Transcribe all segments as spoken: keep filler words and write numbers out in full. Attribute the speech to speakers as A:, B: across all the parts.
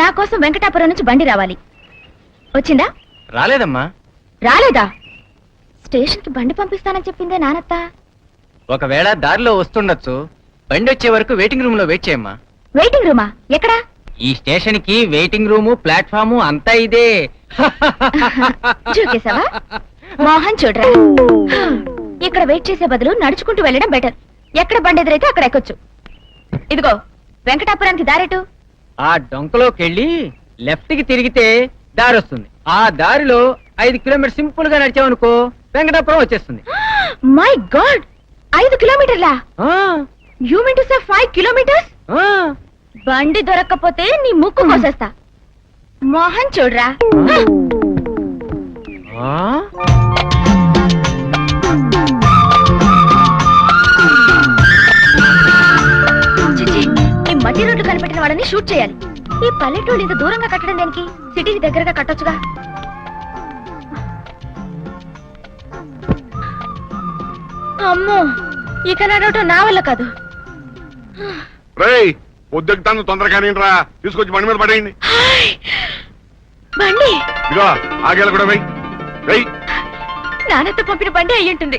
A: నా కోసం వెంకటాపురం నుంచి బండి రావాలి. వచ్చిందా?
B: రాలేదమ్మా.
A: రాలేదా? స్టేషన్ కి బండి పంపిస్తానని చెప్పిందే నానత్త.
B: ఒకవేళ దారిలో వస్తుండొచ్చు. బండి వచ్చే వరకు వెయిటింగ్ రూమ్ లో వెయిట్ చేయమ్మా.
A: వెయిటింగ్ రూమా? ఎక్కడా?
B: ఈ స్టేషన్ కి వెయిటింగ్ రూము, ప్లాట్ఫాము అంతా ఇదే.
A: చూకేశావా? మోహన్ చూడరా, ఇక్కడ వెయిట్ చేసే బదులు నడుచుకుంటూ వెళ్ళడం బెటర్. ఎక్కడ బండి ఎదురైతే అక్కడ ఎక్కొచ్చు. ఇదిగో వెంకటాపురానికి దారెటు.
B: ఆ డొంకలోకెళ్ళి లెఫ్ట్ కి తిరిగితే దారి వస్తుంది. ఆ దారిలో ఐదు కిలోమీటర్ సింపుల్ గా నడిచామనుకో వెంకటాపురం వచ్చేస్తుంది.
A: మై గాడ్, ఐదు కిలోమీటర్లా? You mean to say five kilometres? బండి దొరక్కపోతే నీ ముక్కు కోసేస్తా. మోహన్ చూడరా. ఈ మట్టి రోడ్లు కనిపెట్టిన వాళ్ళని షూట్ చేయాలి. ఈ పల్లెటూళ్ళు ఇంత దూరంగా కట్టడం దేనికి? సిటీకి దగ్గరగా కట్టొచ్చుగా. అమ్మో, ఇక నడవటం నా వల్ల కాదు.
C: పొద్దుతాను తొందరగానే రా, తీసుకొచ్చి బండి మీద పడేయండి.
A: బండి
C: ఇదిగో ఆగేలా కూడా వెయ్యి వెయ్యి.
A: నాన్నతో పంపిన బండి అయ్యుంటుంది.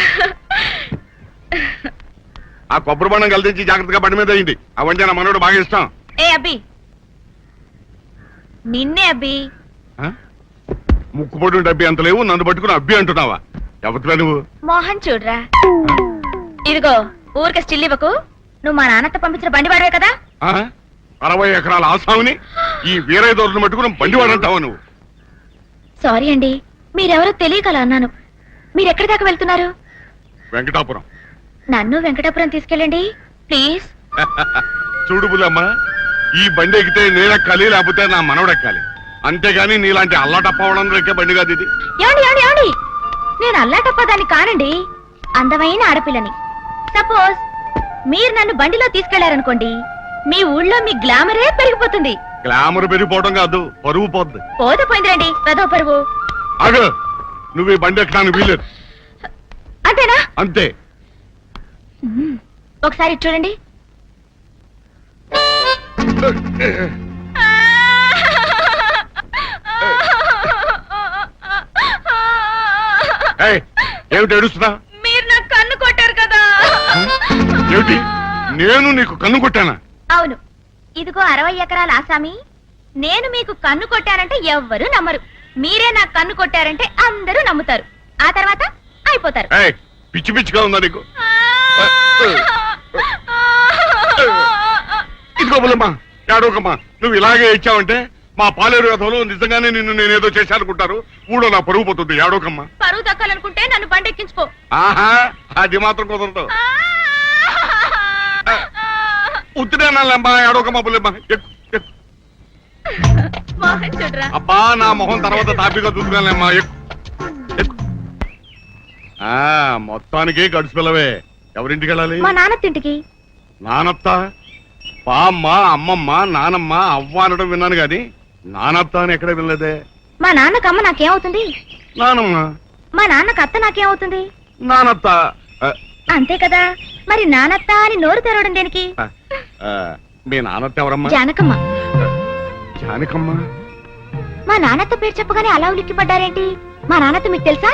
C: ఆ కొబ్బరి బండం కలిసి జాగ్రత్తగా బండి మీద అయ్యింది. ఆ వంటి నా మనోడు బాగా ఇష్టం.
A: ఏ అబ్బి, నిన్నే అబ్బి.
C: ముక్కు పొడి అబ్బి అంత లేవు, నన్ను పట్టుకుని అబ్బి అంటున్నావా? ఎవరిరా నువ్వు?
A: మోహన్ చూడరా, ఇదిగో ఊరికే స్టిల్ ఇవ్వకు. నువ్వు మా నాన్నతో పంపించిన బండి వాడవే కదా?
C: అరవై ఎకరాల ఆసాముని ఈ వీరయ్య దొరను పట్టుకుని బండి వాడంటావా నువ్వు?
A: సారీ అండి, మీరెవరో తెలియకలా అన్నాను. మీరెక్కడి దాకా వెళ్తున్నారు?
C: వెంకటాపురం.
A: నన్ను వెంకటాపురం తీసుకెళ్ళండి ప్లీజ్.
C: చూడు బుల్లమ్మ, ఈ బండి ఎక్కితే నేనెక్కాలి, లేకపోతే నా మనవడెక్కాలి. అంతేగాని నీలాంటి అల్లాటప్పవడం ఎక్కే బండి కాదు ఇది.
A: ఏమండి ఏమండి ఏమండి, నేను అల్లాటప్పదాన్ని కానండి, అందమైన ఆడపిల్లని. సపోజ్ మీరు నన్ను బండిలో తీసుకెళ్లారనుకోండి, మీ ఊళ్ళో మీ గ్లామరే పెరిగిపోతుంది.
C: గ్లామర్ పెరిగిపోవడం కాదు, పరువు పోద్ది.
A: పోతే పోయిందిరండి పెదో పరువు.
C: అగ నువ్వు ఈ బండి ఎక్కడానికి వీలేదు.
A: అంతేనా?
C: అంతే.
A: ఒకసారి చూడండి. ఏమిటి ఏడుస్తున్నా? మీరు నాకు కన్ను కొట్టారు కదా.
C: ఏమిటి, నేను నీకు కన్ను కొట్టానా?
A: అవును. ఇదిగో అరవై ఎకరాల ఆసామి, నేను మీకు కన్ను కొట్టానంటే ఎవ్వరూ నమ్మరు. మీరే నాకు కన్ను కొట్టారంటే అందరూ నమ్ముతారు. ఆ తర్వాత అయిపోతారు.
C: పిచ్చి పిచ్చిగా ఉందా నీకు? ఇదిగో బుల్లమ్మా, ఏడవకమ్మా. నువ్వు ఇలాగే ఇచ్చావంటే మా పాలేరు కథలో నిజంగానే నిన్ను నేనేదో చేశానుకుంటారు. ఊళ్ళో నా పరువు పోతుంది. ఏడవకమ్మా.
A: పరువు దక్కాలనుకుంటే నన్ను బండెక్కించుకో.
C: ఆహా, అది మాత్రం కుదరదు. ఉత్తిరేనమ్మా, ఏడవకమ్మా బుల్లమ్మా. అబ్బా, నా మొహం తర్వాత తాపిగా చూసుకోలేమ్మా. మొత్తానికి గడుచు పిల్లవే. ఎవరింటికి వెళ్ళాలి?
A: మా నాన్నతింటికి.
C: నానత్త? పామ్మ, అమ్మమ్మ, నానమ్మ, అవ్వ అనడం విన్నాను గాని నానత్త అని ఎక్కడ వినలేదే.
A: మా నాన్నకు అమ్మ నాకేమవుతుంది?
C: నానమ్మ.
A: మా నాన్నకు అత్త నాకేమవుతుంది?
C: నానత్త.
A: అంతే కదా. మరి నానత్త అని నోరు తెరవడం దేనికి?
C: మీ నానత్త ఎవరమ్మా?
A: జానకమ్మ.
C: జానకమ్మ?
A: మా నాన్నత్త పేరు చెప్పగానే అలా ఉలిక్కిపడ్డారేంటి? మా నాన్నత్త మీకు తెలుసా?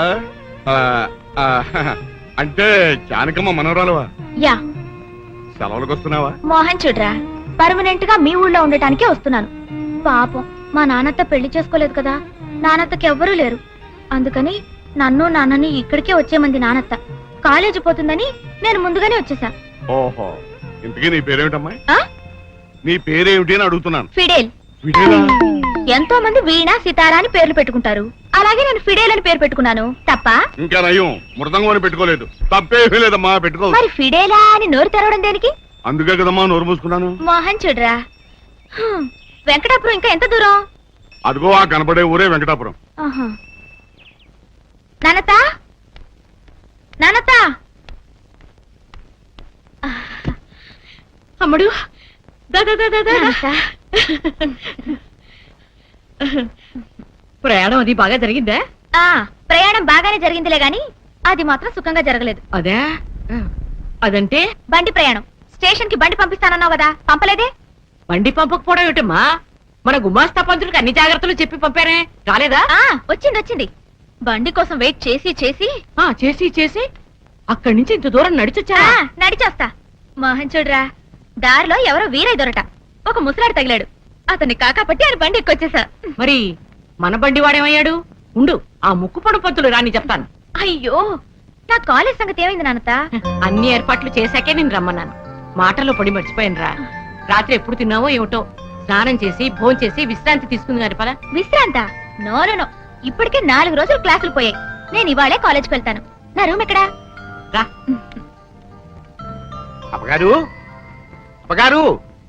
C: అంటే జానకమ్మ మనవరాలువా?
A: యా.
C: సెలవులకు వస్తున్నావా?
A: మోహన్ చూడరా, పర్మనెంట్ గా మీ ఊళ్ళో ఉండటానికే వస్తున్నాను. పాపం మా నాన్నత్త పెళ్లి చేసుకోలేదు కదా, నాన్నత్తకి ఎవ్వరూ లేరు. అందుకని నన్ను నాన్నని ఇక్కడికే వచ్చేమంది నాన్నత్త. కాలేజీ పోతుందని నేను ముందుగానే వచ్చేసా.
C: ఓహో, ఇంతకీ నీ పేరేమిటమ్మా? నీ పేరేమిటి అని అడుగుతున్నాను.
A: ఫిడేల్.
C: ఫిడేలా?
A: ఎంతో మంది వీణ, సితారా అని పేర్లు పెట్టుకుంటారు. అలాగే నేను ఫిడేల్ అని పేరు పెట్టుకున్నాను. తప్ప?
C: ఇంకా నయం, మృదంగం అని పెట్టుకోలేదు. తప్పేమీ లేదమ్మా, పెట్టుకో.
A: మరి ఫిడేలా అని నోరు తెరవడం దేనికి?
C: అందుకే కదమ్మా నోరు మూసుకున్నాను.
A: మోహన్ చూడరా, వెంకటాపురం ఇంకా ఎంత దూరం?
C: అదిగో ఆ కనపడే ఊరే వెంకటాపురం.
A: నానత, నానత. అమ్ముడు,
D: ప్రయాణం అది బాగా జరిగిందా?
A: ఆ ప్రయాణం బాగానే జరిగిందిలే గాని అది మాత్రం సుఖంగా జరగలేదు.
D: అదే? అదంటే?
A: బండి ప్రయాణం. స్టేషన్ కి బండి పంపిస్తానన్నావు కదా, పంపలేదే?
D: బండి పంపకపోవడం ఏమిటమ్మా? మన గుమాస్తా పంతులకు అన్ని జాగ్రత్తలు చెప్పి పంపారే రాలేదా?
A: ఆ వచ్చింది వచ్చింది. బండి కోసం వెయిట్ చేసి చేసి
D: ఆ చేసి చేసి అక్కడి నుంచి ఇంత దూరం నడిచొచ్చా?
A: ఆ, నడిచేస్తా. మోహన్ చూడరా, దారిలో ఎవరో వీరయ్య దొరట ఒక ముసలాడు తగిలాడు. అతన్ని కాకాపట్టి ఆయన బండి ఎక్కొచ్చేసా.
D: మరి మన బండి వాడేమయ్యాడు? ఉండు, ఆ ముక్కుపొడు పంతులు రాని చెప్తాను.
A: అయ్యో, నా కాలేజ్ సంగతి ఏమైంది నాన్నత?
D: అన్ని ఏర్పాట్లు చేశాకే నేను రమ్మన్నాను. మాటల్లో పడి మర్చిపోయాను రా. రాత్రి ఎప్పుడు తిన్నావో ఏమిటో. స్నానం చేసి భోంచేసి చేసి విశ్రాంతి తీసుకుంది గారి పద.
A: విశ్రాంత? నో నో నో, ఇప్పటికే నాలుగు రోజులు క్లాసులు పోయాయి. నేను ఇవాళే కాలేజ్కి వెళ్తాను. నా రూమ్ ఎక్కడా?
D: రా.
E: అమ్మగారు అమ్మగారు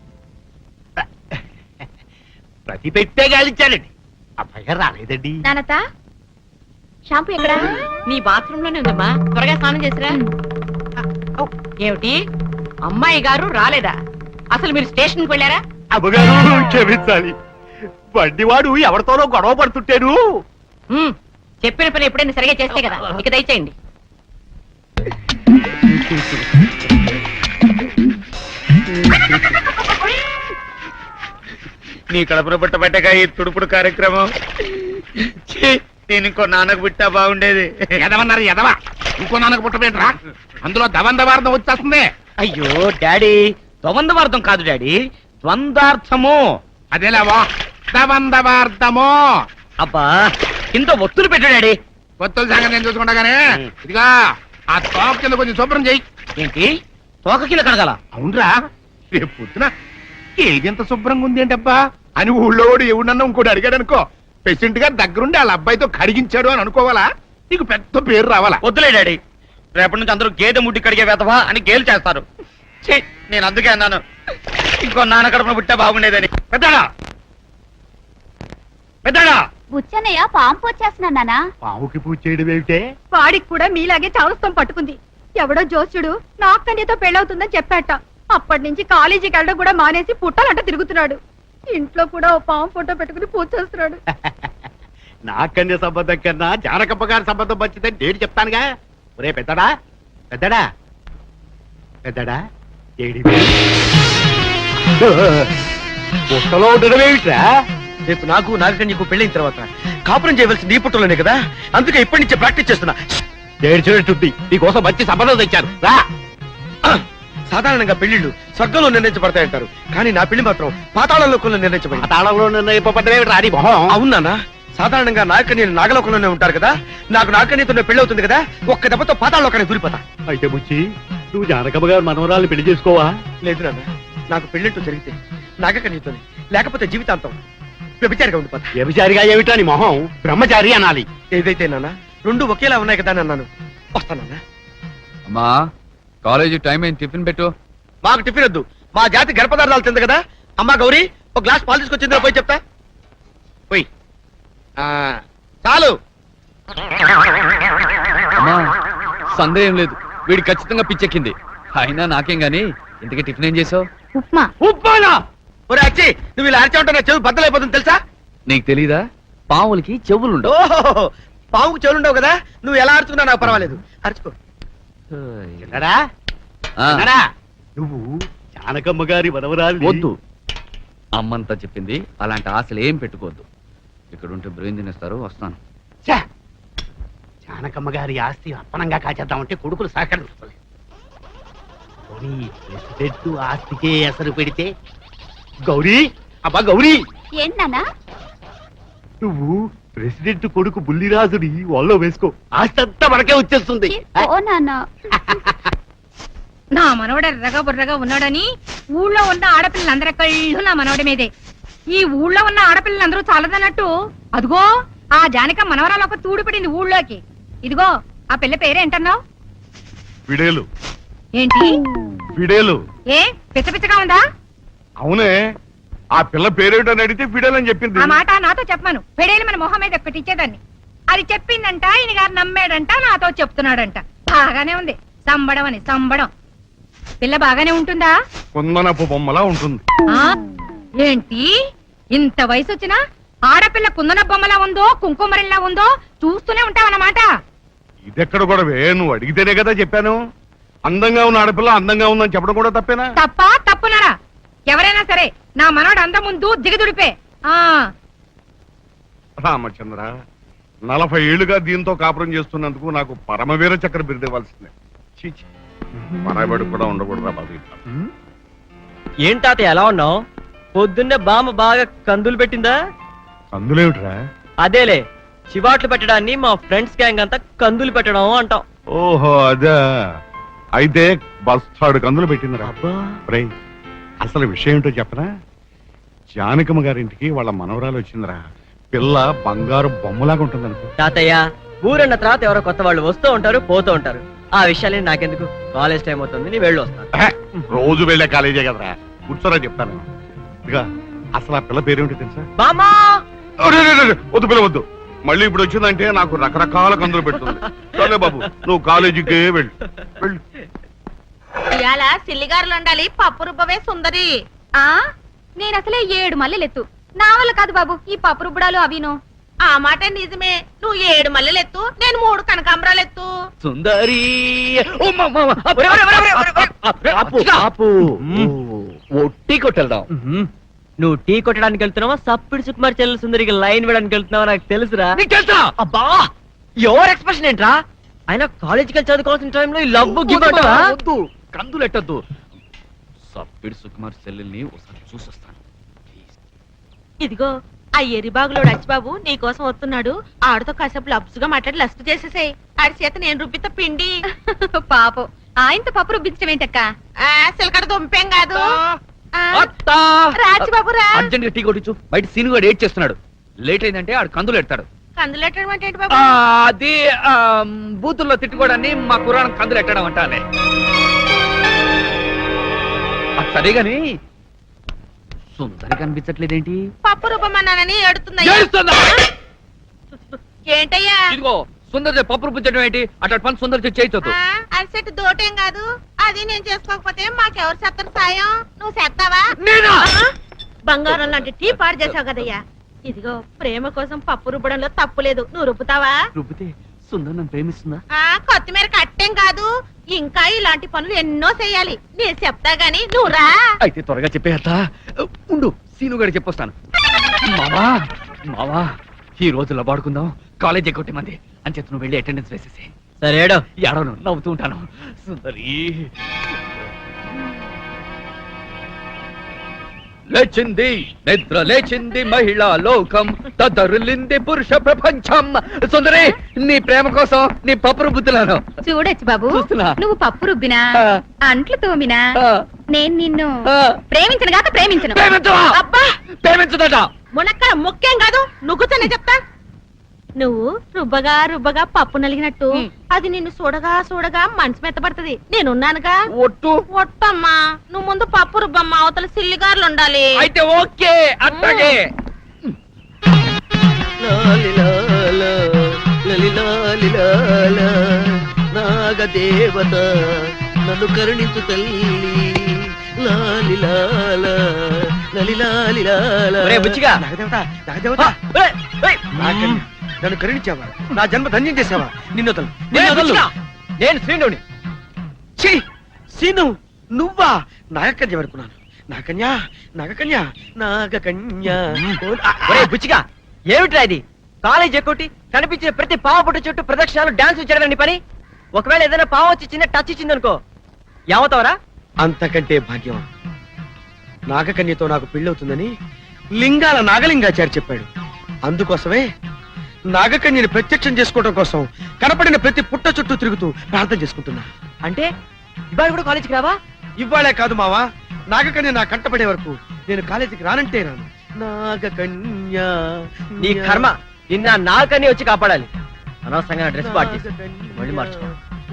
E: ప్రతి పెట్టే గాలించానండి, అమ్మగారు రాలేదండి.
A: నానత, షాంపూ ఎక్కడా?
D: నీ బాత్రూమ్ లోనే ఉందమ్మా, త్వరగా స్నానం చేసిరా. ఏమిటి, అమ్మాయి గారు రాలేదా? అసలు మీరు స్టేషన్ కి వెళ్ళారా?
E: అమ్మగారు క్షమించాలి, బండివాడు ఎవరితోనో గొడవ పడుతుంటేను.
D: ఉమ్, చెప్పిన పని ఎప్పుడైనా సరిగా చేస్తే కదా. ఇక దయచేయండి.
E: నీ కడుపున పుట్టబట్టగా ఈ తుడుపుడు కార్యక్రమం. ఛీ, నేను ఇంకో నాన్నకు పుట్టా బాగుండేది.
C: ఎదవన్నారు ఎదవా, ఇంకో నాన్నకు పుట్టబెట్టరా, అందులో దవందవార్థం వచ్చేస్తుంది.
E: అయ్యో డాడీ, ద్వంద్వార్థం కాదు డాడీ, ద్వంద్వార్థము.
C: అదేలావా, దవందవార్థము.
E: అబ్బా, ఇంత ఒత్తులు పెట్టు డాడీ.
C: కొత్త సంగతి నేను చూసుకుంటా గానీ, ఇదిగా ఆ తోక కింద కొంచెం శుభ్రం చెయ్యి.
E: ఏంటి, తోక కింద కడగాల?
C: అవునరా, రేపు పొద్దున ఏదెంత శుభ్రంగా ఉంది ఏంటబ్బా అని ఊళ్ళో వాడు ఎవడన్నా ఇంకోటి అడిగాడు అనుకో, పేషెంట్ గారు దగ్గరుండి వాళ్ళ అబ్బాయితో కడిగించాడు అని అనుకోవాలా? నీకు పెద్ద పేరు రావాలా?
E: వద్దులే డాడీ, రేపటి నుంచి అందరూ గేదె ముడ్డి కడిగే వేతవా అని గేలు చేస్తారు. ఛీ, నేను అందుకే అన్నాను ఇంకో నాన్న కడుపున పుట్టా బాగుండేదని. పెద్దడా పెద్దడా
A: బుచ్చన్నయ్య పాంపు వచ్చేస్తున్నా నానా.
E: పావుకి పూజ చేయడం ఏమిటే?
F: వాడికి కూడా మీలాగే చావుస్తం పట్టుకుంది. ఎవడో జోస్యుడు నాకు కన్యతో పెళ్ళవుతుందని చెప్పాట. అప్పటి నుంచి కాలేజీకి వెళ్ళడం కూడా మానేసి పుట్టాలంట తిరుగుతున్నాడు. ఇంట్లో కూడా ఓ పాము ఫోటో పెట్టుకుని పూజ చేస్తున్నాడు.
E: నా కన్య సంబంధం కన్నా జానకప్ప గారి సంబంధం మంచిదని నేను చెప్తానుగా. ఒరే పెద్దడా పెద్దడా పెద్దడా ఏడి పుట్టలో ఉండడం ఏమిట్రా?
G: రేపు నాకు నాగకన్యకు పెళ్ళైన తర్వాత కాపురం చేయవలసింది ఈ పుట్టలోనే కదా, అందుకే ఇప్పటి నుంచే ప్రాక్టీస్ చేస్తున్నా.
E: ఏడ్చినట్టుంది, నీకోసం మంచి సంబంధం తెచ్చాను రా.
G: సాధారణంగా పెళ్లిళ్ళు స్వర్గంలో నిర్ణయించబడతాయంటారు, కానీ నా పెళ్లి మాత్రం పాతాళలోకంలో నిర్ణయించబడింది.
E: తాళంలో నిర్ణయింపబడ్డమేమిటి రాని మొహం?
G: అవునా? సాధారణంగా నాగకన్యలు నాగలోకంలోనే ఉంటారు కదా, నాకు నాగకన్యతో పెళ్లి అవుతుంది కదా, ఒక్క దెబ్బతో పాతాళలోకానికి దూరిపోతా.
E: అయితే బుచ్చి, నువ్వు జానకమ్మ గారు మనవరాలు పెళ్లి చేసుకోవా?
G: లేదు నాన్న, నాకు పెళ్లింటూ జరిగితే నాగకన్యతోనే, లేకపోతే జీవితాంతం వ్యభిచారిగా ఉండిపోతా.
E: వ్యభిచారిగా ఏమిటా నీ మొహం? బ్రహ్మచారి అనాలి.
G: ఏదైతే నాన్న, రెండు ఒకేలా ఉన్నాయి కదా అని అన్నాను. వస్తానన్నా.
H: అమ్మా, కాలేజీ టైం అయింది, టిఫిన్ పెట్టు.
G: మాకు టిఫిన్ వద్దు, మా జాతి గర్భపదార్థాలు తింది కదా. అమ్మా గౌరీ, ఒక గ్లాస్ పాలు తీసుకొచ్చిందో పోయి చెప్తా. పోయి. ఆ, చాలు.
H: అమ్మా, సందేహం లేదు, వీడి ఖచ్చితంగా పిచ్చెక్కింది. అయినా నాకేం గాని, ఇంతకీ టిఫిన్ ఏం చేసావు?
A: ఉప్మా.
G: ఉప్మానా? ఒరే అచ్చి, నువ్వు ఇలా అరిచా ఉంటే నా చెవి బద్దలైపోతుంది తెలుసా?
H: నీకు తెలీదా, పావులకి చెవులుండవు.
G: ఓహో, పావుకు చెవులుండవు కదా, నువ్వు ఎలా అరుచుకున్నా నాకు పర్వాలేదు, అరుచుకో.
E: విన్నాడా?
H: ఆ,
E: విన్నాడా? నువ్వు జానకమ్మ గారి మనవరాలు.
H: వద్దు, అమ్మంతా చెప్పింది, అలాంటి ఆశలు ఏం పెట్టుకోవద్దు. ఇక్కడ ఉంటే బ్రెయిన్ తినేస్తారు. వస్తాను.
E: ఛే! జానకమ్మ గారి ఆస్తి అప్పనంగా కాచేద్దామంటే కొడుకులు సహకరించుకోలేదు. పోనీ ప్రెసిడెంట్ ఆస్తికే ఎసరు పెడితే? గౌరీ, అబ్బా గౌరీ,
A: ఏంటన్నా?
E: నువ్వు ప్రెసిడెంట్ కొడుకు బుల్లిరాజుని వాళ్ళలో వేసుకో, ఆస్తి అంతా మనకే వచ్చేస్తుంది.
A: ఓ నాన్న.
F: నా మనవడ ఎర్రగా బుర్రగా ఉన్నాడని ఊళ్ళో ఉన్న ఆడపిల్లలందరి కళ్ళు నా మనవడి మీదే. ఈ ఊళ్ళో ఉన్న ఆడపిల్లలందరూ చాలదన్నట్టు అదిగో ఆ జానక మనవరాలు ఒక తూడు పడింది ఊళ్ళోకి. ఇదిగో ఆ పిల్ల పేరేంటన్నావు?
C: ఫిడేలు.
F: ఏంటి
C: ఫిడేలు?
F: ఏ పిచ్చ పిచ్చగా ఉందా?
C: అవునే, ఆ పిల్ల పేరేటని అడిగితే ఫిడేల్ అని చెప్పింది.
F: ఆ మాట నాతో చెప్పమను, పెడేలి మన మొహం మీద ఒక్కటి ఇచ్చేదాన్ని. అది చెప్పిందంట, ఈయన గారు నమ్మాడంట, నాతో చెప్తున్నాడంట. బాగానే ఉంది, సంబడం అని సంబడం. పిల్ల బాగానే ఉంటుందా?
C: కుందనపు బొమ్మలా ఉంటుంది.
F: ఆ ఏంటి ఇంత వయసు వచ్చినా ఆడపిల్ల కుందన బొమ్మలా ఉందో కుంకుమరిలా ఉందో చూస్తూనే ఉంటావన్నమాట.
C: ఇదెక్కడ కూడా నువ్వు అడిగితేనే కదా చెప్పాను. అందంగా ఉన్న ఆడపిల్ల అందంగా ఉందని చెప్పడం కూడా తప్పేనా?
F: తప్ప తప్పునరా? ఎవరైనా సరే నా మనోడు అంద ముందు దిగదుడిపే. ఆ
E: రామచంద్ర నలభై ఏళ్లుగా దీంతో కాపురం చేస్తున్నందుకు నాకు పరమవీర చక్ర బిరుదు ఇవ్వాల్సిందే ఛీ, ఛీ. పరాబడి కూడా ఉండకూడదురా బాబు ఇట్లా.
B: ఏంటాత ఎలా ఉన్నావు? పొద్దున్నే బామ్మ బాగా కందులు పెట్టిందా?
E: అందులేమిట్రా?
B: అదేలే, చివాట్లు పెట్టడాన్ని మా ఫ్రెండ్స్ గ్యాంగ్ అంతా కందులు పెట్టడం అంటాం.
E: ఓహో అదే. అయితే బస్తాడు కందులు పెట్టిందిరా. రేయ్, అసలు విషయం ఏంటో చెప్పనా? జానకమ్మ గారింటికి వాళ్ళ మనవరాలు వచ్చిందిరా. పిల్ల బంగారు బొమ్మలాగా ఉంటుంది అనుకో.
B: తాతయ్య, ఊరన్న తర్వాత ఎవరో కొత్త వాళ్ళు వస్తూ ఉంటారు పోతూ ఉంటారు. ఆ విషయాలే నాకెందుకు, కాలేజ్ టైం అవుతుంది, నీ వెళ్ళి వస్తాను.
E: ఆహా, రోజు వెళ్ళే కాలేజే కదరా, కూర్చోరా చెప్తాను. ఇదిగా అసలు ఆ పిల్ల పేరేమిటి తెలుసా?
B: బామ్మా!
E: అరే, అరే, అరే, వద్దు పిల్ల వద్దు. మళ్ళీ ఇప్పుడు వచ్చిందంటే నాకు రకరకాల కందులు పెడుతుంది. సరే బాబు, నువ్వు కాలేజీకే వెళ్ళు వెళ్ళు.
D: ఇవాళ సిల్లిగారులు ఉండాలి, పప్పు రుబ్బవే సుందరి.
A: ఆ నేను అసలే ఏడు మల్లెలెత్తు, నా వల్ల కాదు బాబు ఈ పప్పు రుబ్బడాలు అవిను.
D: ఆ మాట నిజమే, నువ్వు ఏడు మల్లెలు ఎత్తు, నేను మూడు కనకాంబరాలు ఎత్తు.
H: సుందరి ఓ మా, మా, మా. ఒరే, ఒరే, ఒరే, ఒరే, ఒరే, ఒరే. ఆపు, ఆపు. ఓ, టీ కొట్టెళ్దాం.
B: నువ్వు టీ కొట్టడానికి వెళ్తున్నావా, సప్పిడి సుకుమార్ చెల్లెలు సుందరికి లైన్ వేయడానికి వెళ్తున్నావా నాకు తెలుసురా.
H: నీకు తెలుసా?
B: అబ్బా, ఎవరు ఎక్స్ప్రెషన్ ఏంట్రా? ఆయన కాలేజీకి వెళ్ళి చదువుకోవాల్సిన టైంలో ఈ లవ్ గివ్
H: వద్దు, వద్దు, కందులు ఎట్టద్దు. సప్పిడి సుకుమార్ చెల్లెల్ని ఒకసారి చూసొస్తాను.
D: ఇదిగో ఆ ఎరిబాగులోడు అచ్చిబాబు నీ కోసం వస్తున్నాడు, ఆడితో కాసేపు లబ్సుగా మాట్లాడి లస్ట్ చేసేసాయి. ఆడి చేత నేను రుబ్బిత పిండి.
A: పాపం ఆయనతో పప్పు రుబ్బించడం ఏంటక్క?
D: ఆ సిలకడ దుంపేం కాదు. ఆ,
H: అత్తా!
D: రాచిబాబు రా.
H: అర్జెంట్ గా టీ కొట్టించు, బయట సీను గారు ఏడ్ చేస్తున్నాడు. లేట్ అయిందంటే ఆడు కందులు ఎడతాడు.
D: కందులెట్టడం అంటే ఏంటి
H: ఆ,
D: బాబు?
H: అది ఆ, బూతుల్లో తిట్టుకోవడాన్ని మా కురాణం కందులు ఎట్టడం అంటానే. అది సరే గాని సుందరి కనిపించట్లేదేంటి?
D: పప్పు రుబ్బమన్నానని ఎడుతున్నాయి.
H: ఏడుస్తుందా?
D: ఏంటయ్యా?
H: ఇదిగో సుందరి పప్పు రుబ్బించడం ఏంటి? అట్లా పని సుందరి చేయొద్దు.
D: ఆ, అరిసెట్టు దోటేం కాదు, అది నేను చేసుకోకపోతే మాకెవరు చేస్తారు సాయం? నువ్వు చేస్తావా?
H: నేనా?
D: ఆ, బంగారం లాంటి టీ పాడు చేసావు కదయ్యా. ఇదిగో ప్రేమ కోసం పప్పు రుబ్బడంలో తప్పు లేదు, నువ్వు రుబ్బుతావా?
H: రుబ్బితే సుందరి నన్ను ప్రేమిస్తుందా?
D: ఆ కొత్తిమీర కట్టేం కాదు, ఇంకా ఇలాంటి పనులు ఎన్నో చెయ్యాలి. నేను చెప్తా గాని నువ్వు రా.
H: అయితే త్వరగా చెప్పేస్తా. ఉండు, సీను గారికి చెప్పొస్తాను. మావా మావా ఈ రోజు లబాడుకుందాం, కాలేజ్ ఎగ్గొట్టే మంది అని చెప్పి నువ్వు వెళ్ళి అటెండెన్స్ వేసేసి.
B: సరేడో.
H: ఏడవను, నవ్వుతూ ఉంటాను. సుందరి లేచింది నిద్ర లేచింది మహిళా లోకం, తదరులింది పురుష ప్రపంచం. సుందరి, నీ ప్రేమ కోసం నీ పప్పురు బుద్ధులను
A: చూడొచ్చు బాబు,
H: చూస్తున్నా.
A: నువ్వు పప్పు రుబ్బినా
H: ఆ.
A: అంట్లు తోమినా
H: ఆ.
A: నేను నిన్ను
H: ఆ.
A: ప్రేమించను గాక ప్రేమించను.
H: ప్రేమించవా?
D: అబ్బా,
H: ప్రేమించదట.
D: మునక్కడ ముఖ్యం కాదు, నుగ్గుతానే చెప్తా. నువ్వు రుబ్బగా రుబ్బగా పప్పు నలిగినట్టు అది నిన్ను చూడగా చూడగా మనసు మెత్తబడుతుంది. నేనున్నానుగా.
H: ఒట్టు.
D: ఒట్టమ్మా, నువ్వు ముందు పప్పు రుబ్బమ్మా, అవతల సిల్లిగారులు ఉండాలి.
H: అయితే ఓకే, అట్లాగే.
G: నాగదేవత నన్ను కరుణించు తల్లి.
B: ఒరే బుచ్చిగా.
G: నాగదేవత నాగదేవత నాగకన్య, నన్ను కరుణించావా? నా జన్మ ధన్యం చేసావా? నిన్ను వదలు, నిన్ను వదలు.
B: నేను శ్రీనుని.
G: ఛీ, సీను నువ్వా? నాగకన్య వరకున్నాను. నాగకన్య నాగకన్య నాగకన్య.
B: ఒరే బుచ్చిగా, ఏమిట్రా ఇది? కాలేజ్ ఎక్కొట్టి కనిపించిన ప్రతి పావ పుట్టు చుట్టూ ప్రదక్షిణాలు డాన్స్ చేయడం నీ పని. ఒకవేళ ఏదైనా పావు వచ్చి చిన్న టచ్ ఇచ్చింది అనుకో, ఏమవుతావరా?
G: అంతకంటే భాగ్యం. నాగకన్యతో నాకు పెళ్ళవుతుందని లింగాల నాగలింగాచారి చెప్పాడు. అందుకోసమే నాగకన్యని ప్రత్యక్షం చేసుకోవడం కోసం కనపడిన ప్రతి పుట్ట చుట్టూ తిరుగుతూ ప్రార్థన చేసుకుంటున్నా.
B: అంటే ఇవాళ కూడా కాలేజీకి రావా?
G: ఇవ్వాలే కాదు మావా, నాగకన్య నా కంటపడే వరకు నేను కాలేజీకి రానంటే రాను. నాగకన్య
B: నీ కర్మ, నిన్న నాకని వచ్చి కాపాడాలి. అనవసరంగా నా డ్రెస్ పాడు చేసి మళ్ళీ మార్చుకో.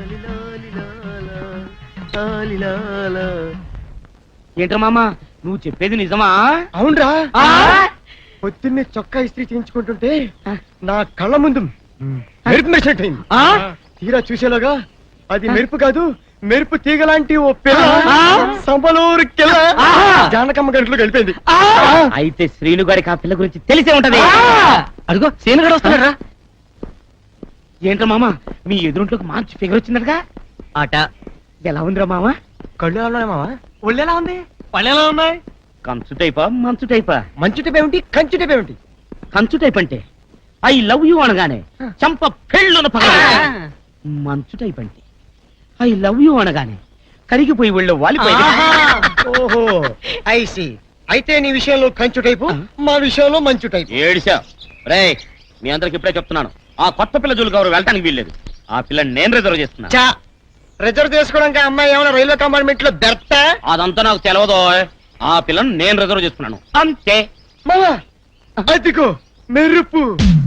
G: ఏంట్రా మామ, నువ్వు చెప్పేది నిజమా? అవునరా. పొద్దున్నే చొక్కా ఇస్త్రీ చేయించుకుంటుంటే నా కళ్ళ ముందు మెరుపు మెరిసినట్టయింది. తీరా చూసేలాగా అది మెరుపు కాదు, మెరుపు తీగలాంటి ఓ పిల్ల సంబలూరు కిల్ల జానకమ్మ గంటలో గడిపోయింది.
B: అయితే శ్రీను గారికి ఆ పిల్ల గురించి తెలిసే ఉంటది. అదిగో శ్రీను గారు వస్తున్నారా?
G: ఏంట్రా మామ, మీ ఎదురుంట్లోకి మంచి ఫిగర్ వచ్చిందటగా?
B: ఆట
G: ఎలా ఉందిరా మామ? కళ్ళు ఎలా ఉన్నాయి మామ? ఒళ్ళు ఎలా ఉంది? పళ్ళు ఎలా ఉన్నాయి?
H: కంచు టైపా మంచు టైపా
G: మంచు టైప్ ఏమిటి కంచు టైప్ ఏమిటి
H: కంచు టైప్ అంటే ఐ లవ్ యూ అనగానే చంప పెళ్ళున పగ మంచు టైప్ అంటే ఐ లవ్ యూ అనగానే కరిగిపోయి వెళ్ళు వాలిపోయి
G: ఓహో ఐసి అయితే నీ విషయంలో కంచు టైపు మా విషయంలో మంచు టైపు
H: ఏడిసా రే మీ అందరికి ఇప్పుడే చెప్తున్నాను ఆ కొత్త పిల్ల జోలికి ఎవరు వెళ్ళటానికి వీల్లేదు ఆ పిల్లని నేను రిజర్వ్ చేస్తున్నా
G: చా రిజర్వ్ చేసుకోవడానికి ఆ అమ్మాయి ఏమైనా రైల్వే కంపార్ట్మెంట్ లో బెర్తా
H: అదంతా నాకు తెలవదు ఆ పిల్లని నేను రిజర్వ్ చేస్తున్నాను అంతే
G: మావా అదిగో మెరుపు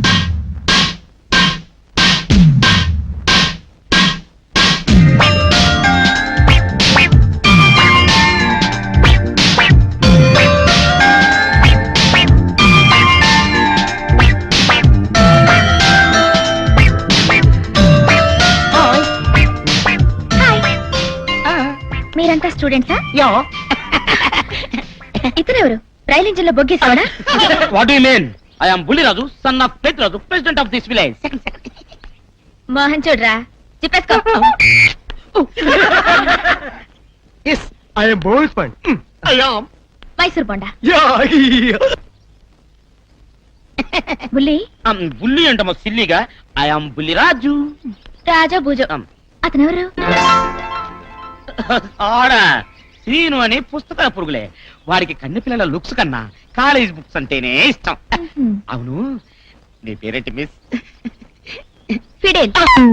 A: మీరంతా స్టూడెంట్సా?
G: యా
A: ఇతనెవరు రైలు ఇంజిన్ లో బొగ్గేసావడా?
H: What you mean I am Bulliraju son of Pedraju president of this village
A: Mohan చూడరా చెప్పేసుకో.
G: Yes I am both fine I am
A: Mysore bonda
G: yeah
A: బుల్లి
H: బుల్లి అంటమా సిల్లిగా ఐ యామ్ బుల్లిరాజు
A: రాజా భూజో. అతనెవరు?
H: ఆడా శ్రీను అని పుస్తకాల పురుగులే వాడికి కన్నె పిల్లల లుక్స్ కన్నా కాలేజ్ బుక్స్ అంటేనే ఇష్టం. అవును నీ పేరేంటి మిస్?
A: ఫిడేల్.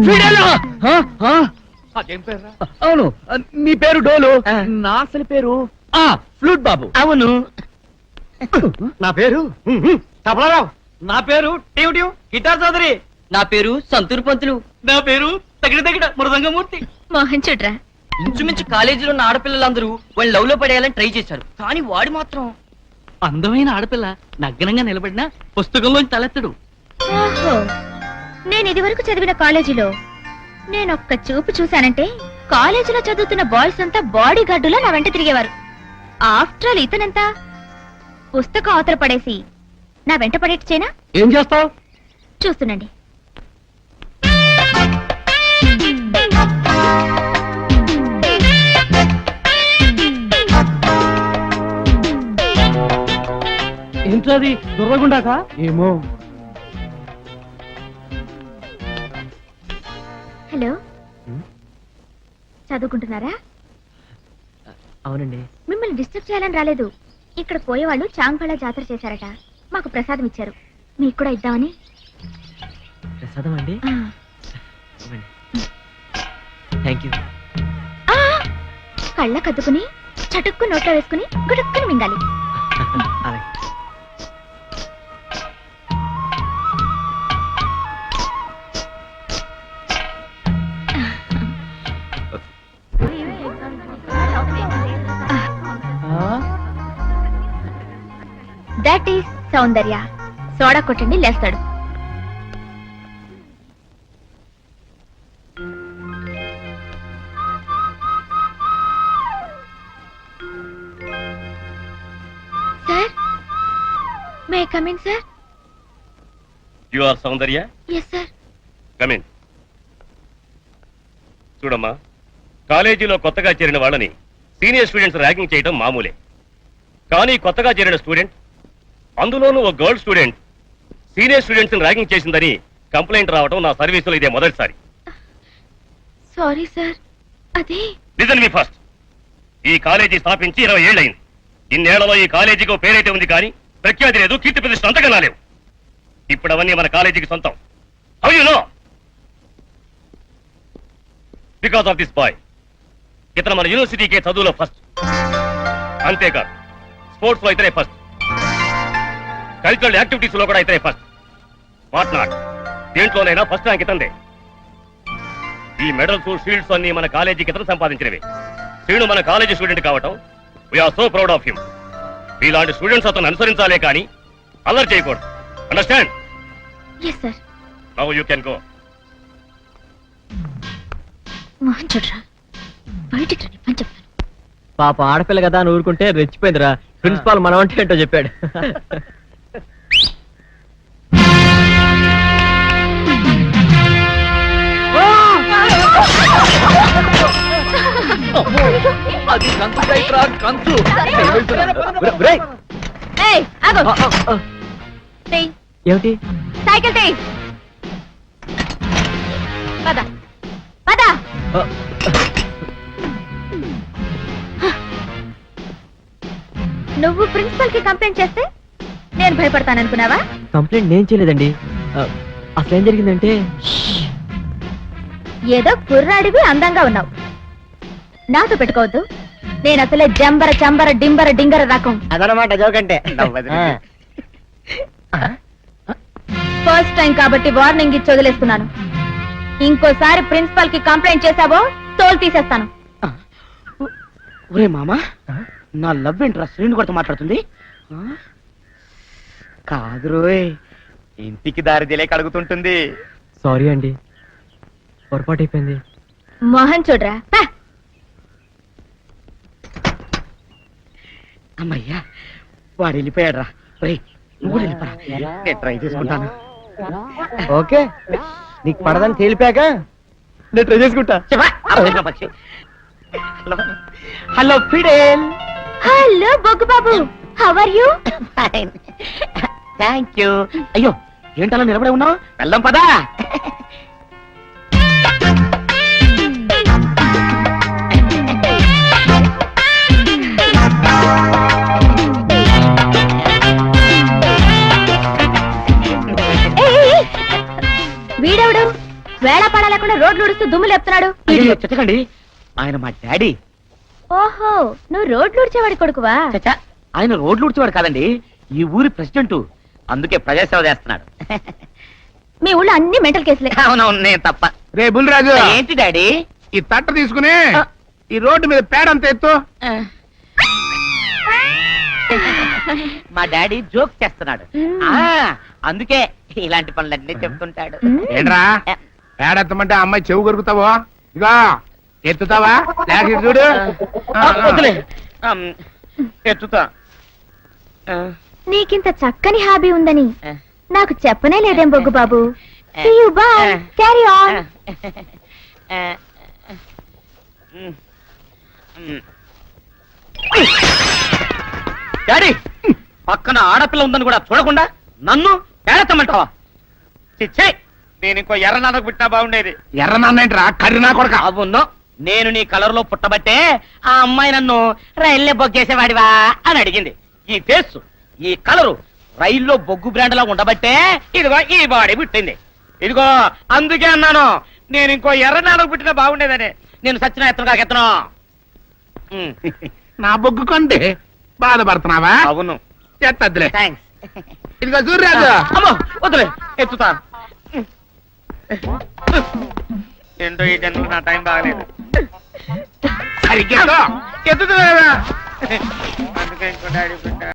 H: అదేం పేరు? అవును నీ పేరు డోలు నా అసలు పేరు ఫ్లూట్ బాబు. అవును
G: నా పేరు తబలారావు.
B: నా పేరు టీవ్ టీవ్ గిటార్ చౌదరి. నా పేరు సంతూర్ పంతులు.
H: నా పేరు తగిన తగిన మృదంగమూర్తి.
A: మోహన్ చూడరా
B: ఇంచుమించు కాలేజీలో ఉన్న ఆడపిల్లలందరూ వాళ్ళు లవ్ లో పడేయాలని ట్రై చేశారు, కానీ వాడు మాత్రం
H: అందమైన ఆడపిల్ల నగ్నంగా నిలబడినా పుస్తకంలోంచి తలెత్తడు.
A: ఓహో, నేను ఇది వరకు చదివిన కాలేజీలో నేను ఒక్క చూపు చూశానంటే కాలేజీలో చదువుతున్న బాయ్స్ అంతా బాడీ గార్డులా నా వెంట తిరిగేవారు. ఆఫ్టర్ ఆల్ ఇతనంత పుస్తకం అవతల పడేసి నా వెంట పడేట్చేనా?
H: ఏం చేస్తావు?
A: చూస్తుండండి.
H: ఏంటది దొరకకుండాక? ఏమో.
A: హలో, చదువుకుంటున్నారా?
B: అవునండి.
A: మిమ్మల్ని డిస్టర్బ్ చేయాలని రాలేదు. ఇక్కడ పోయేవాళ్ళు చాంగ్ఫళ జాతర చేశారట, మాకు ప్రసాదం ఇచ్చారు, మీకు కూడా ఇద్దామని.
B: ప్రసాదం అండి?
A: ఆ.
B: Thank you.
A: ఆ, కళ్ళ కద్దుకుని చటుక్కు నోట్లో వేసుకుని గుడుక్కుని మింగాలి.
B: అలాగే.
A: That is Soundarya. సోడా కొట్టండి లేస్తాడు. Sir, may come in sir?
I: You are Soundarya?
A: Yes sir.
I: Come in. చూడమ్మా, కాలేజీలో కొత్తగా చేరిన వాళ్ళని సీనియర్ స్టూడెంట్స్ ర్యాగింగ్ చేయడం మామూలే. కానీ కొత్తగా చేరిన స్టూడెంట్, అందులోనూ ఒక girl student senior students ragging చేసిందని కంప్లైంట్ రావడం నా సర్వీసులో ఇదే మొదటిసారి.
A: Sorry sir. అదే
I: లిజన్ మీ ఫస్ట్. ఈ కాలేజీ స్థాపించి ఇరవై ఏళ్ళయింది. ఇన్నేళ్లలో ఈ కాలేజీకి పేరైతే ఉంది, కానీ ప్రఖ్యాతి లేదు, కీర్తి ప్రతిష్ట అంతకన్నా లేవు. ఇప్పుడు అవన్నీ మన కాలేజీకి సొంతం. How you know? Because of this boy. ఇతను మన యూనివర్సిటీకే చదువులో ఫస్ట్. అంతేకాదు, స్పోర్ట్స్ లో ఇతనే ఫస్ట్, కల్చరల్ యాక్టివిటీస్ లో కూడా ఇతనే ఫస్ట్. వాట్ నాట్, దేంట్లోనైనా ఫస్ట్ ర్యాంక్ ఇతందే. ఈ మెడల్స్, షీల్డ్స్ అన్ని మన కాలేజీకి ఇతను సంపాదించినవి. శ్రీను మన కాలేజీ స్టూడెంట్ కావటం we are so proud of him. ఇలాంటి స్టూడెంట్స్ అతను అనుసరించాలే కానీ అల్లరి చేయకూడదు. Understand?
A: Yes sir.
I: Now you can go.
A: Mohan చూడరా, బయటికి రండి పని చెప్తాను.
B: పాప ఆడపిల్ల కదా అని ఊరుకుంటే రెచ్చిపోయిందిరా. ప్రిన్సిపాల్ మనం అంటే ఏంటో చెప్పాడు.
A: అయ్యో.
H: అది కంచు కైట్రా, కంచు.
B: ఒరేయ్,
A: ఏయ్, ఆగు.
B: ఆ, ఆ, ఆ.
A: తెయ్.
B: ఏమిటి
A: సైకిల్ తెయ్. పద పద.
B: ఆ,
A: నువ్వు ప్రిన్సిపల్ కి కంప్లైంట్ చేస్తే నేను భయపడతాననుకున్నావా?
B: కంప్లైంట్ నేను చేయలేదండి. ఆ, అసలు ఏం జరిగిందంటే
A: ఏదో కుర్రాడివి అందంగా ఉన్నావు, నాతో పెట్టుకోవద్దు. నేను అసలే జంబర చంబర డింబర డింగర రకం.
B: అదనమాట జోకంటే
A: ఫస్ట్ టైం కాబట్టి వార్నింగ్ ఇచ్చి వదిలేస్తున్నాను. ఇంకోసారి ప్రిన్సిపల్ కి కంప్లైంట్ చేశావో తోలు తీసేస్తాను.
G: ఒరే మామా, నా లవ్ ఏంట్రా శ్రీను కొడుతూ మాట్లాడుతుంది? ఆ? కాదు రోయ్, ఇంటికి దారి తెలియక అడుగుతుంటుంది.
B: సారీ అండి, పొరపాటు అయిపోయింది.
A: మోహన్ చూడరా. పా.
G: అమ్మయ్యా, వాడు వెళ్ళిపోయాడు రా. ఒరేయ్, నువ్వు వెళ్ళిపోరా, నేను ట్రై చేసుకుంటాను.
B: ఓకే, నీకు పడదని తేలిపాక నేను ట్రై చేసుకుంటా.
G: చెప్పా, అరవై పక్షి. హలో హలో ఫిడేల్.
A: హలో బొగ్గు బాబు, how are you?
G: Thank you. అయ్యో, ఏంటలా నిలబడే ఉన్నావు? వెళ్దాం పదా.
A: వీడెవడు వేళ పడ లేకుండా రోడ్లు ఉడుస్తూ దుమ్ము లేపుతున్నాడు?
G: అయ్యో, చెత్తకండి, ఆయన మా డాడీ.
A: ఓహో, నువ్వు రోడ్లు ఉడిచేవాడి కొడుకువా?
G: చచ్చా, ఆయన రోడ్లు ఉడిచేవాడు కాదండి, ఈ ఊరి ప్రెసిడెంట్. అందుకే ప్రజాసేవ చేస్తున్నాడు.
A: మీ ఊళ్ళో అన్ని మెంటల్ కేసులే.
G: అవునవును, నేను తప్ప.
C: రే బుల్లిరాజు,
G: ఏంటి డాడీ?
C: ఈ తట్ట తీసుకుని ఈ రోడ్డు మీద పేడంత ఎత్తు.
G: మా డాడీ జోక్ చేస్తున్నాడు.
A: మ్మ్.
G: ఆ అందుకే ఇలాంటి పనులన్నీ చెప్తుంటాడు.
A: మ్మ్.
C: ఏంట్రా పేడెత్తమంటే అమ్మాయి చెవు కొరుకుతావో? ఇదిగో ఎత్తుతావా లేక ఇటు చూడు. ఆ,
G: ఆ,
C: ఆ.
G: వదిలే. ఆమ్, ఎత్తుతా. ఆ,
A: నీకింత చక్కని హాబీ ఉందని
G: ఆ,
A: నాకు చెప్పనే లేదేం బొగ్గు బాబు.
G: ఆ,
A: See you, bye.
G: ఆ,
A: Carry on.
G: ఆ, మ్మ్. మ్మ్. డాడీ, పక్కన ఆడపిల్ల ఉందని కూడా చూడకుండా నన్ను పేడతామంటావా? చిచ్చే, నేను ఇంకో ఎర్ర నాన్నకు పుట్టినా బాగుండేది.
C: ఎర్ర నాన్నేంట్రా కర్రీ నా కొడక.
G: అవును, నేను నీ కలర్ లో పుట్టబట్టే ఆ అమ్మాయి నన్ను రైల్లో బొగ్గేసేవాడివా అని అడిగింది. ఈ ఫేస్, ఈ కలరు రైల్లో బొగ్గు బ్రాండ్ లా ఉండబట్టే ఇదిగో ఈ బాడీ పుట్టింది. ఇదిగో అందుకే అన్నాను, నేను ఇంకో ఎర్ర నాన్నకు పుట్టినా బాగుండేదని. నేను సచిన ఎత్తను కాక ఎత్తను. ఉమ్,
C: నా బొగ్గు కొంటే బాధపడుతున్నావా?
G: అవును,
C: ఎత్తద్దులే.
G: థ్యాంక్స్.
C: ఇదిగో చూడరాజు,
G: అమ్మో, వదిలే, ఎత్తుతా. ఏంటో ఈ జన్మకు నా టైం బాగలేదు.
C: సరిగ్గా
G: ఎత్తుతున్నా అందుకే ఇంకో డాడీ పుట్టా.